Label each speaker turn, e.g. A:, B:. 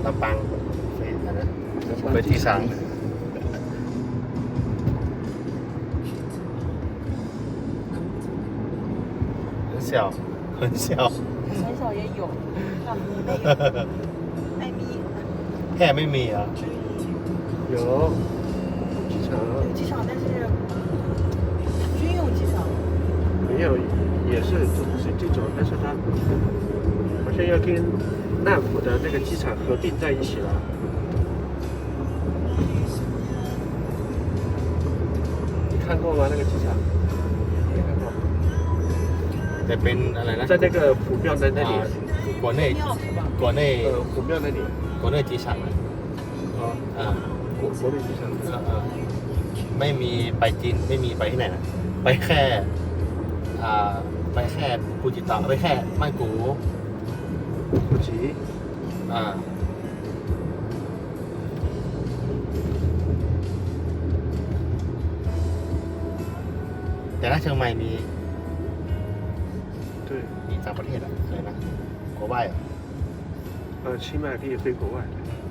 A: ลำปาง飞机场很小很小
B: 很少也有那没有艾米
A: แค่ไม่มีอ่ะ
C: 有机场
B: 有机场但是军用机场
C: 没有，也是这种，但是它好像要跟难浦的那个机场合并在一起了。你看过吗？那个机场？没看过。
A: แต่เป็นอะไรนะ
C: 在那个浦庙的那里，
A: 国内
B: 庙是吧
A: 国内
C: 浦庙那里。
A: 国内机场อ่ะอ่า
C: 国内机场。
A: ไม่มีไปจีนไม่มีไปที่ไหนนะไปแค่ไปแค่ปูจิตะไปแค่曼谷
C: 普吉。
A: แต่ถ้าเชียงใหม่มี
C: 对。
A: มีต่างประเทศอะไรนะ国外
C: 清迈可以飞国外。